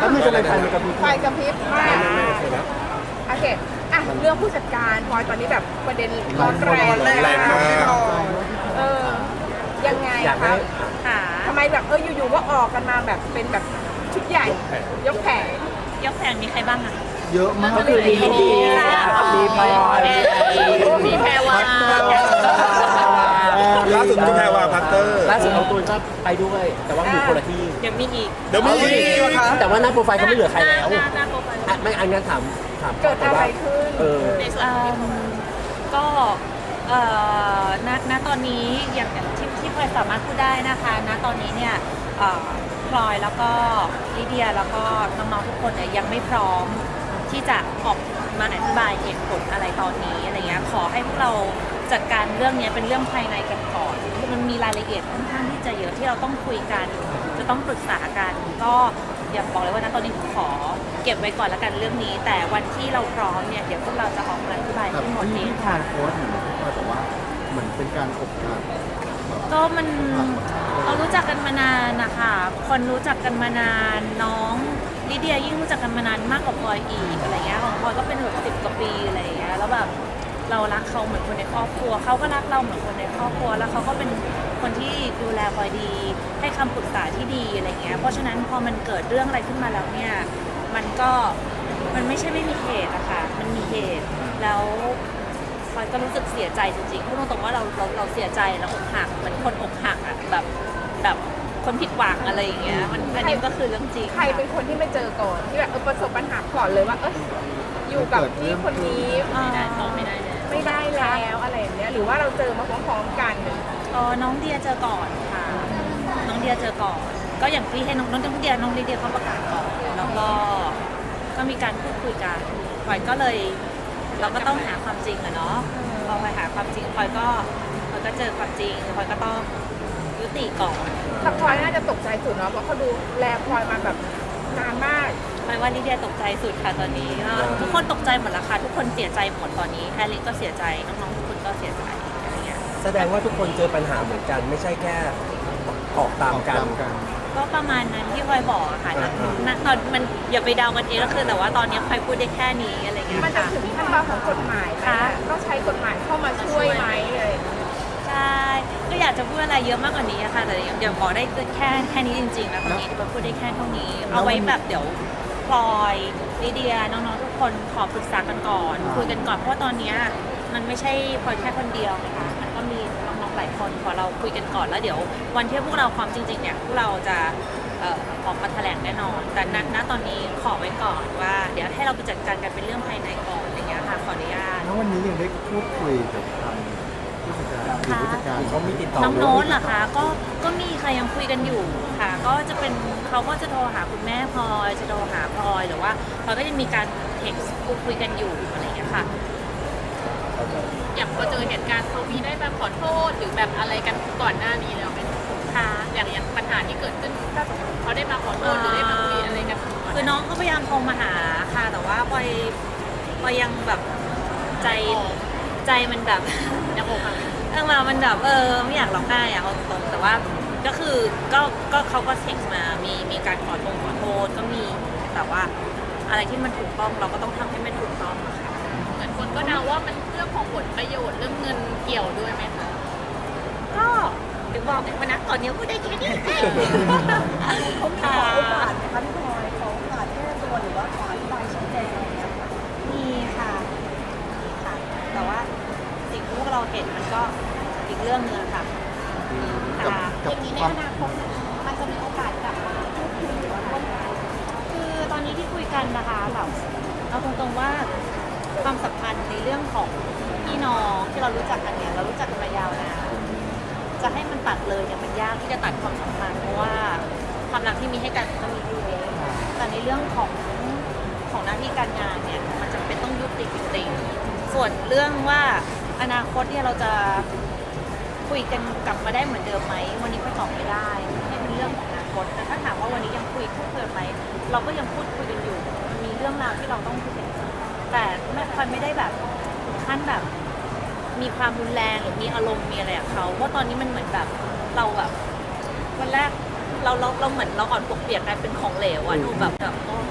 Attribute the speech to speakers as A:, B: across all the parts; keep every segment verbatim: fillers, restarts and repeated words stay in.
A: แล้วมันจะเป็นไฟมันกระพริบ
B: ไฟกระพริบมาก
A: ไม่ไม่ไม่นะ
B: โอเคอ่ะเรื่องผู้จัดการพลอยตอนนี้แบบประเด็นร้อนแรง
C: แรงมาก
B: เออยังไง
A: อยาก
B: ค
A: ให้
B: รับ
D: ค่ะ
B: ทำไมแบบเอออยู่ๆก็ออกกันมาแบบเป็นแบบชุดใหญ่ยกแผง
D: ยกแผงมีใครบ้างอะ
A: เยอะมากก็คือดีดีดีพลอย
D: มีแพรวา
C: ล่าสุดคุณแพรวาพัตเตอร์
A: ล่าสุดน้องตูนก็ไปด้วย แต่ว่าอยู่คนละที่
D: เดี๋ยวมีอีก
C: เดี๋ยวมีอีก
A: แต่ว่าหน้าโปรไฟล์เขาไม่เหลือใครแล้ว
D: หน้าหน้าโปรไฟล์
A: อ่ะไม่อันงั้นถามถาม
B: เกิดอะไรขึ้น
A: เออ
D: ในส่วนของพี่พลอยก็เอ่อณณตอนนี้อย่างอย่างที่ที่พลอยสามารถพูดได้นะคะณตอนนี้เนี่ยเอ่อพลอยแล้วก็ลิเดียแล้วก็น้องๆทุกคนเนี่ยยังไม่พร้อมที่จะออกมาอธิบายเหตุผลอะไรตอนนี้อะไรเงี้ยขอให้พวกเราจัดการเรื่องนี้เป็นเรื่องภายในกันก่อนคือมันมีรายละเอียดค่อนข้างที่จะเยอะที่เราต้องคุยกันจะต้องปรึกษากันก็อย่าบอกเลยว่าณตอนนี้ขอเก็บไว้ก่อนแล้วกันเรื่องนี้ แต่วันที่เราพร้อมเนี่ยเดี๋ยวพวกเราจะออกมาอธิบาย
E: กับ
D: ให้หมด
E: ที่
D: เอง
E: ที่ทางโค้ชเหมือนที่พลอยบอกว่าเหมือนเป็นการอบรม
D: ก็มันเรารู้จักกันมานานนะคะคนรู้จักกันมานานน้องลิเดียยิ่งรู้จักกันมานานมากกว่าพลอยอีกอะไรเงี้ยของพลอยก็เป็นแบบสิบกว่าปีอะไรเงี้ยแล้วแบบเรารักเขาเหมือนคนในครอบครัวเขาก็รักเราเหมือนคนในครอบครัวแล้วเขาก็เป็นคนที่ดูแลพลอยดีให้คำปรึกษาที่ดีอะไรเงี้ยเพราะฉะนั้นพอมันเกิดเรื่องอะไรขึ้นมาแล้วเนี่ยมันก็มันไม่ใช่ไม่มีเหตุอะค่ะมันมีเหตุแล้วพลอยก็รู้สึกเสียใจจริงๆพูดตรงๆว่าเราเราเราเสียใจเราอกหักเหมือนคนอกหักอะแบบแบบคนผิดหวังอะไรอย่างเงี้ยมันอันนี้ก็คือเรื่องจริง
B: ใครเป็นคนที่ไม่เจอก่อนที่แบบเออประสบปัญหาก่อนเลยว่าเอออยู่กับพี่คนนี้
D: ไม่ได้ตอบไม่ได้เลย
B: ไม่ได้แล้วอะไรอย่างเงี้ยหรือว่าเราเจอมาพร้อมๆกัน
D: เออน้องเดียเจอก่อนค่ะ น้องเดียเจอก่อน ก็อย่างที่ให้น้องน้องเดียน้องลิเดียเขาประกาศก่อน แล้วก็ก็มีการพูดคุยกันพลอยก็เลย เราก็ต้องหาความจริงอะเนาะพอพลอยหาความจริงพลอยก็พลอยก็เจอความจริงพลอยก็ต้องยุติก่อน
B: แต่พลอยน่าจะตกใจสุดเนาะเพราะเขาดูแลพลอยมาแบบนานมาก
D: พลอยว่าลิเดียตกใจสุดค่ะตอนนี้ก็ทุกคนตกใจหมดแล้วค่ะทุกคนเสียใจหมดตอนนี้แฮร์รี่ก็เสียใจน้องๆทุกคนก็เสียใจอะไรเงี้ย
A: แสดงว่าทุกคนเจอปัญหาเหมือนกัน ไม่ใช่แค่ออกตามกัน
D: ก็ประมาณนั้นที่พลอยบอกอะค่ะณณตอนมันอย่าไปเดากันเองก็คือแต่ว่าตอนนี้พลอยพูดได้แค่นี้อะไรเงี้ย
B: มันจะ
D: ค่ะ
B: ถึงขั้นตอนของกฎหมายไหม
D: ค่ะ
B: อะต้องใช้กฎหมายเข้ามาช่วยไหมอะไรอย่างเงี้ย
D: ใช่ก็อยากจะพูดอะไรเยอะมากกว่านี้อะค่ะแต่เดี๋ยวบอกได้แค่แค่นี้จริงๆแล้วตอนนี้ที่พลอยพูดได้แค่เท่านี้เอาไว้แบบเดี๋ยวพลอยลิเดียน้องๆทุกคนขอปรึกษากันก่อนคุยกันก่อนเพราะว่าตอนเนี้ยมันไม่ใช่พลอยแค่คนเดียวนะคะมันก็มีน้องๆหลายคนขอเราคุยกันก่อนแล้วเดี๋ยววันที่พวกเราความจริงๆเนี่ยพวกเราจะเอ่อออกมาแถลงแน่นอน แต่ณณตอนนี้ขอไว้ก่อนว่า เดี๋ยวให้เราไปจัดการกันเป็นเรื่องภายในก่อนอะไรเงี้ยค่ะขออนุญาต
E: แล้ววันนี้ยังได้พูดคุยกับทางผู้จัดการหรือผู้จัดการ
A: เขามีติดต่อ
D: น้องโน้ตเหรอคะก็ก็มีค่ะยังคุยกันอยู่ค่ะ ก็จะเป็นเขาก็จะโทรหาคุณแม่พลอยจะโทรหาพลอยหรือว่าพลอยก็จะมีการเท็กซ์พูดคุยกันอยู่อะไรอย่างเงี้ยค่ะ
F: อย่างพอเจอเหตุการณ์เขามีได้แบบขอโทษหรือแบบอะไรกันก่อนหน้านี้แล้วไหม
D: ค่ะ
F: อย่างอย่างปัญหาที่เกิดขึ้นเขาได้มาขอโทษหรือได้มาคุยอะไรกันก่อน
D: คือน้องเขาพยายามโทรมาหาค่ะ แต่ว่าพลอยพลอยยังแบบใจใจมันแบบ
F: ยังอกหัก
D: เออมามันแบบเออไม่อยากร้องไห้อะเอาตรงๆแต่ว่าก็คือก็ก็เขาก็เท็กซ์มามีมีการขอโทษขอโทษก็มีแต่ว่าอะไรที่มันถูกต้องเราก็ต้องทำให้มันถูกต้องอะค่ะ
F: เหมือนคนก็เดาว่ามันเรื่องของผลประโยชน์เรื่องเงินเกี่ยวด้วยไหมคะ
D: ก็ถึงบอกไงว่านะตอนนี้พูดได้แค่นี้
B: เขาขอโอกาสนะคะพี่พลอยเขาโอกาสแก้ตัวหรือว่าขออธิบายชี้แจงอะไรอย่างเงี้ยค่ะ
D: มีค่ะค่ะ แต่ว่าสิ่งที่พวกเราเห็นมันก็อีกเรื่องหนึงค่ะ
E: กับ
D: ค่ะ
E: กับ
B: อย่างนี้ใน
E: ความ
B: อนาคตมันจะมีโอกาสกลับมาพูดคุยหรือว่าร่วมงาน
D: คือตอนนี้ที่คุยกันนะคะแบบเอาตรงๆว่าความสัมพันธ์ในเรื่องของพี่น้องที่เรารู้จักกันเนี่ยเรารู้จักกันมายาวนานจะให้มันตัดเลยเนี่ยมันยากที่จะตัดความสัมพันธ์เพราะว่าความรักที่มีให้กันก็มีอยู่แล้วแต่ในเรื่องของของหน้าที่การงานเนี่ยมันจำเป็นต้องยุติจริงๆส่วนเรื่องว่าอนาคตเนี่ยเราจะคุยกันกลับมาได้เหมือนเดิมไหมวันนี้ก็ตอบไม่ได้ให้เป็นเรื่องของอนาคตแต่ถ้าถามว่าวันนี้ยังคุยพูดคุยกันไหมเราก็ยังพูดคุยกันอยู่มันมีเรื่องราวที่เราต้องคุยกันแต่ไม่ค่อยไม่ได้แบบถึงขั้นแบบ มีความรุนแรงหรือมีอารมณ์มีอะไรกับเขาเพราะตอนนี้มันเหมือนแบบเราแบบวันแรกเราเราเราเหมือนเราอ่อนปวกเปียกกลายเป็นของเหลวอะดูแบบแบบโอ้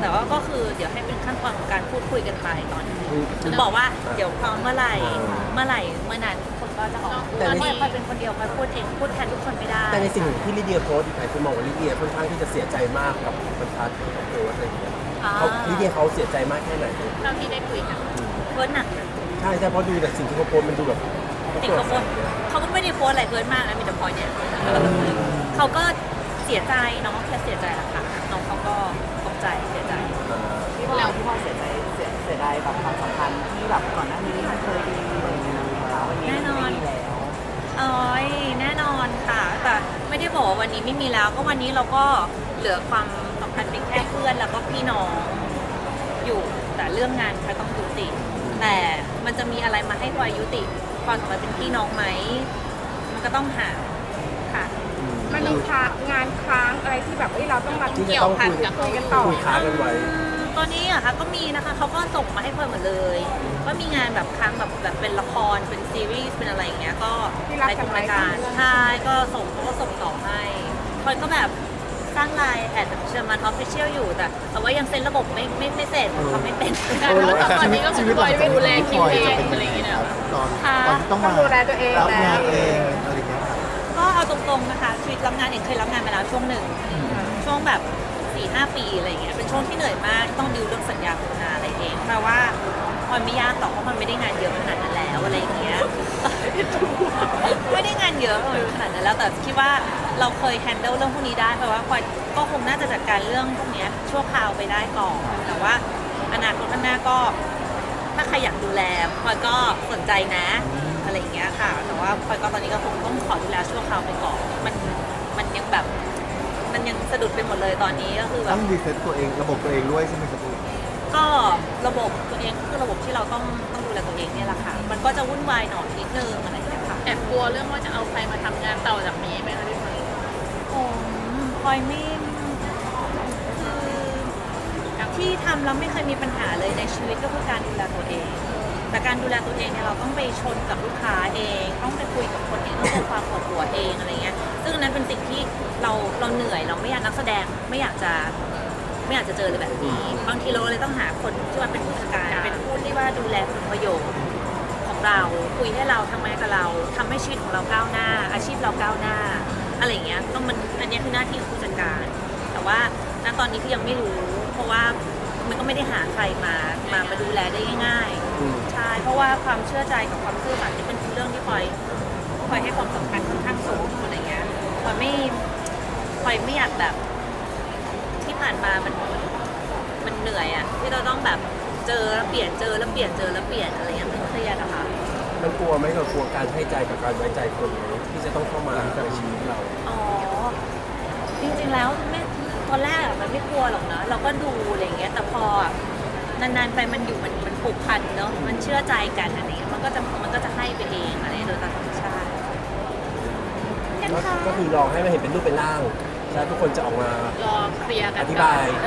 D: แต่ว่าก็คือเดี๋ยวให้เป็นขั้นตอนของการพูดคุยกันไปตอนนี้ถึงบอกว่าเดี๋ยวพร้อมเมื่อไหร่เมื่อไหร่เมื่อนั้นทุกคนก็จะออกมาพูด
A: แต่ใน
D: ไม่ค่อยเป็นคนเดียวคอยพูดเองพูดแทนทุกคนไม่ได้
A: แต่ในสิ่งที่ลิเดียโพสต์อีกหลายคนมองว่าลิเดียค่อนข้างที่จะเสียใจมากกับบรรทัดที่เขาโพสต์อะไรอย่างเงี้ย
D: อ่า
A: เขาลิเดียเขาเสียใจมากแค่ไหน
F: เท่าที่ได้คุยกัน
D: เพิร์นหนักนะ
A: ใช่ใช่เพราะดูแต่สิ่งที่เขาโพสต์มันดูแบบ
D: ติดเขาโพสต์เขาก็ไม่ได้โพสต์อะไรเพิร์นมากนะมีแต่พอยเนี่ยเขาก็เสียใจน้องแค่เสียใจแหละค่ะน้องเขาก็ตกใจเสียใจ
B: พี่พลอยพี่พลอยเสียใจเสียเสียดายแบบความสัมพันธ์ที่แบบก่อนหน้านี้มันเคยดีอะไรอย่างเงี้ยนะคะวันนี้
D: แน่นอน
B: ไม่มีแล้ว
D: เอ้ยแน่นอนค่ะแต่ไม่ได้บอกว่าวันนี้ไม่มีแล้วก็วันนี้เราก็เหลือความสัมพันธ์เป็นแค่เพื่อนแล้วก็พี่น้องอยู่แต่เรื่องงานพลอยต้องยุติ แต่มันจะมีอะไรมาให้พลอยยุติความสัมพันธ์เป็นพี่น้องไหมมันก็ต้องหาค่ะ
G: มันมีค้างานค้างอะไรที่แบบเอ้ยเราต้องมา
A: ที่จะ
F: เกี่ย
A: ต้
F: ว
A: อง
F: พัน
A: คุย
F: กับ
G: คุยกันต่อ
A: คุยค้ากันไว้
D: ตอนนี้อะค่ะก็มีนะคะเขาก็ส่งมาให้พลอยหมดเลยว่ามีงานแบบครั้งแบบแบบเป็นละครเป็นซีรีส์เป็นอะไรอย่างเงี้ยก็ในทุกรายการใช่ก็ส่งเขาก็ส่งต่อให้พลอยก็แบบสร้างไลน์แอดเชอร์มันออฟฟิเชียลอยู่แต่แต่ว่ายังเซ็นระบบไม่ไม่ไม่เสร็จทำไม่เป็น
F: แต่ว่าตอนนี้ก็คือปล่อยไปดูแลคิวเองอะไรอย่างเงี้ยนะ
E: ตอน
D: ค่ะ
E: ตอนที่ต้องมา
G: ดูแลตัวเอง
E: รับงาน
G: แล้ว
E: เองอะไรอย่างเงี้ยครับ
D: ก็เอาตรงๆนะคะชีวิตรับงานเองเคยรับงานมาแล้วช่วงหนึ่งช่วงแบบสี่ห้าปีอะไรอย่างเงี้ยเป็นช่วงที่เหนื่อยมากต้องดิวเรื่องสัญญาโฆษณาอะไรเองแปลว่ามันไม่ยากหรอกเพราะมันไม่ได้งานเยอะขนาดนั้นแล้วอะไรอย่างเงี้ย ไม่ได้งานเยอะขนาดนั้นแล้วแต่คิดว่าเราเคยแฮนเดิลเรื่องพวกนี้ได้เพราะว่าพลอยก็คงน่าจะจัดการเรื่องพวกเนี้ยชั่วคราวไปได้ก่อนแต่ว่าอนาคตข้างหน้าก็ถ้าใครอยากดูแลพลอยก็สนใจนะอะไรอย่างเงี้ยค่ะ แต่ว่าพลอยก็ตอนนี้ก็คงต้องขอดูแลชั่วคราวไปก่อนมันมันยังแบบมันยังสะดุดไปหมดเลยตอนนี้ก็คือแบ
E: ต้
D: บ
E: องรีเซ็ตตัวเองระบบตัวเองด้วยใช่ไหมครับพี่
D: ก็ระบบตัวเองก็คือระบบที่เราต้องต้องดูแลตัวเองเนี่ยแหละค่ะมันก็จะวุ่นวายหน่อยนิดนึงอะไรอย่างเงี้ยค่ะ
F: แอบกลัวเรื่องว่าจะเอาใครมาทำงานต่อจากนี้ไหมคะพี่พลอย
D: ผมพลอยไม่คือที่ทำแล้วไม่เคยมีปัญหาเลยในชีวิตก็คือการดูแลตัวเอง แต่การดูแลตัวเองเนี่ยเราต้องไปชนกับลูกค้าเอง ต้องไปคุยกับคนเองต้องเป็นความปวดหัวเองอะไรเงี้ยซึ่งอันนั้นเป็นสิ่งที่เราเราเหนื่อยเราไม่อยากนักแสดงไม่อยากจะไม่อยากจะเจอเลยแบบนี้บางทีเราเลยต้องหาคนที่ว่าเป็นผู้จัดการเป็นผู้ที่ว่าดูแลผลประโยชน์ของเราคุยให้เราทำงานกับเราทำให้ชีวิตของเราก้าวหน้า อาชีพเราก้าวหน้าอะไรอย่างเงี้ยต้องมันอันนี้คือหน้าที่ของผู้จัดการ แต่ว่าณตอนนี้คือยังไม่รู้ เพราะว่ามันก็ไม่ได้หาใครมามามาดูแลได้ง่ายๆใช่เพราะว่าความเชื่อใจกับความซื่อสัตย์นี่เป็นเรื่องที่พลอยพลอยให้ความสำคัญค่อนข้างสูงอะไรเงี้ยพลอยไม่พลอยไม่อยากแบบที่ผ่านมามันมันเหนื่อยอะที่เราต้องแบบเจอแล้วเปลี่ยนเจอแล้วเปลี่ยนเจอแล้วเปลี่ยนอะไรเงี้ยมันเครียดอะค่ะ
A: มันกลัวไหมกับกลัวการให้ใจกับการไว้ใจคนไหมที่จะต้องเข้ามาในชีวิตเรา
D: อ๋อจริงๆแล้วไม่ตอนแรกอะมันไม่กลัวหรอกนะเราก็ดูอะไรอย่างเงี้ยแต่พอนานๆไปมันอยู่มันมันผูกพันเนาะมันเชื่อใจกันอะไรเงี้ยมันก็จะมันก็จะให้ไปเองอะไรโดยตามธรรมชาติ
A: ก็ก็คือรอให้มันเห็นเป็นรูปเป็นร่างแล้วทุกคนจะออกมาร
F: อเคลียร์กัน
A: อธิ
F: ก่อบ
A: าน ย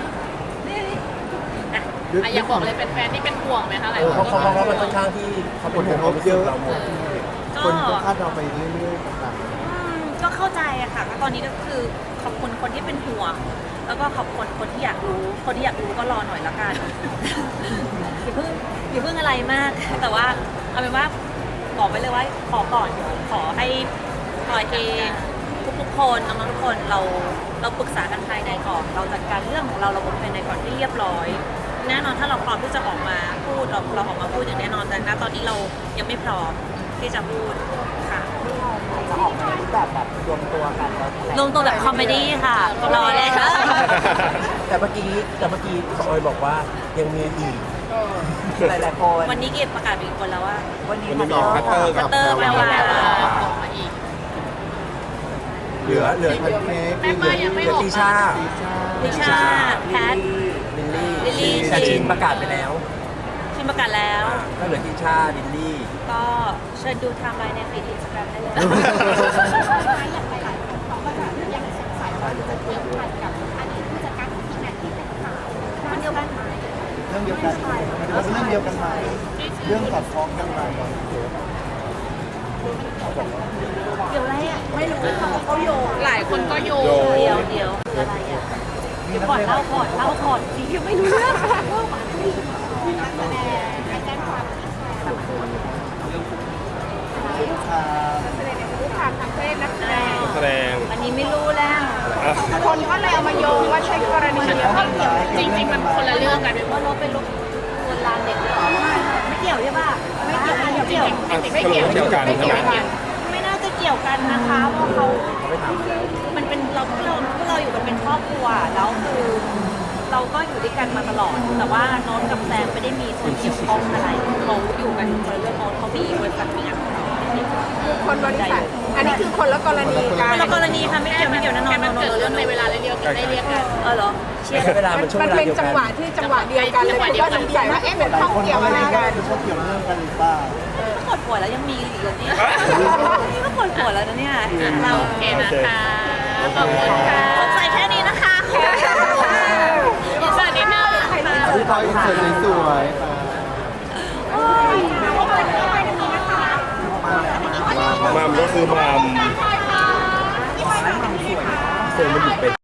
D: อ่ะ
F: อ่ะอยากบอกเลยเป็นแฟนที่เป็นห่วงไหมคะหลาย
A: เออ
F: ค
A: เพ
F: น
A: ราะ
F: ก็
A: เขาเพราะมันค่อนข้างที่เขาเป็นห่วงความรู้สึกเราหมด
D: ก็
E: คนก็คาดเราไปเรื่อยๆต่าง
D: อืมก็เข้าใจอะค่ะก็ตอนนี้ก็คือขอบคุณคนที่เป็นห่วง แล้วก็ขอบคุณคนที่อยากรู้ คนที่อยากรู้ก็รอหน่อยละกัน อย่าเพิ่งอย่าเพิ่งอะไรมาก แต่ว่าเอาเป็นว่าบอกไปเลยว่าขอก่อนขอให้ปล่อยเองทุกๆคนน้องๆทุกคนเราเราปรึกษากันภายในก่อน เราจัดการเรื่องของเราเราบนภายในก่อนที่เรียบร้อย แน่นอนถ้าเราพร้อมที่จะออกมาพูดเราเราออกมาพูดอย่างแน่นอนแต่ณตอนนี้เรายังไม่พร้อมที่จะพูดค่ะ
B: จะออกมาในรูปแบบแบบรวมตัวกันแล้วแถลง
D: ลงตัวแบบคอมเมดี้ค่ะรอเลยค่ะ
A: แต่เมื่อกี้แต่เมื่อกี้ออยบอกว่ายังมีอีก
B: หลายๆคน
D: วันนี้เก็บประกาศไปอีกคนแล้วว่า
B: วันนี้
C: วันนี้มีพัตเตอร์กับ
D: พัตเตอร์แปลว่า
F: ออกมาอีก
A: เหลือเหลือ
E: ๆพันเค้ก
F: แม่ป้ายังไม่
A: เหลือ
F: บอก
A: ติชา
D: ลิชาแพท
A: ลิลลี่
D: ลิลลี่
A: แต่ชินประกาศไปแล้ว
D: ชิมประกาศแล้ว
A: อ่าก็เหลือติชาลิลลี่
D: ก็เชิญดูไทม์ไลน์ในฟีดอินสตาแกรมได้เลย
G: อย่างหลายๆคนเขาก็จะยังสงสัยว่าจะเกี่ยวพันกับอดีตผู้จัดการของทีมงานที่เป็นข่าวคนเดียวกันไหม
E: เรื่องเดียวกันมันเป็นเรื่องเดียวกันไหมเรื่องสอดคล้องกันไหม
D: เดี๋ยวอะไรอ่ะ
B: ไม่รู้เขาเขาโยง
F: หลายคนก็โยง
C: โยง
D: เดี๋ยวเดี๋ยวคืออะไรอ่ะ
E: มี
D: ดี๋ยวก่อนเล่าก่อนเล่าก่อนสิยังไม่รู้เรื่องเล่าก่อน
G: นักแสดงไปแจ้งความที่แชร์
E: อ่า
G: ผู้ทางทางเพศนักแสดง
C: แสดง
D: อันนี้ไม่รู้แล้ว
C: อ่ะ
G: คนก็เลยเอามาโยงว่าใช่กรณีเดียวกัน
F: จริงๆมันคนละเรื่องกัน
D: ว่าเราเป็นลูกลวนลามเด็กหรือเปล่าไม่เกี่ยวใช่ป่ะไม่เกี่ยวไม่เกี่ยว
C: อ่ะสรุปไม่เกี่ยวกัน
F: ไม่
C: ใช่
F: เกี่
C: ไห
F: ย
C: ม
F: วกัน
D: ไม่น่าจะเกี่ยวกันนะคะเพราะเขา
A: เขาไม่ถามแล้ว
D: มันเป็นเราพวกเราพวกเราอยู่กันเป็นครอบครัวแล้วคือเราก็อยู่ด้วยกันมาตลอด แต่ว่าโน้ตกับแซมไม่ได้มีส่วนเกี่ยวข้องอะไรเขาอยู่กันคนละเรื่องโน้ตเขามีบริษัทมีงานของเขา
G: คนบริษัทอันนี้คือคนละกรณีกัน
D: คนละกรณีค่ะไม่เกี่ยวไม่เกี่ยวแน่นอน
F: แค่มันเกิดเรื่องในเวลาเดียวกันได้เรียกกัน
D: เออเหรอเชียร์
A: ใช้เวลามันช่วง
G: มัน
A: เวลา
G: เป็น
A: เดียว
G: จั
A: กั
G: ง
A: น
G: หวะที่จังหวะเดียวกันเลยคุณก็สงสัยว่าเอ๊ะเป็น
E: หลาย
G: ข้อง
E: คน
G: เกี่ยว
E: ก็
G: อะ
E: เล
G: ไร
E: ยคิด
G: กั
E: ว่าน เป็นเขาเกี่ยวเรื่องกันหรือเปล่า
D: ก็ปวดหัวแล้วยังมีอีกเหรอเนี่ยนี่ก็ปวดหัวแล้วนะเนี่ยเรา
F: โอเคนะคะ ขอบคุณค่ะ
D: สงสัยแค่นี้นะคะ
F: อินเสิร์ตนิดนึงค่ะ
E: พี่พลอยสวยสวยๆค่ะ
C: มัมก็คือมัม
A: เซนมันอยู่เป็น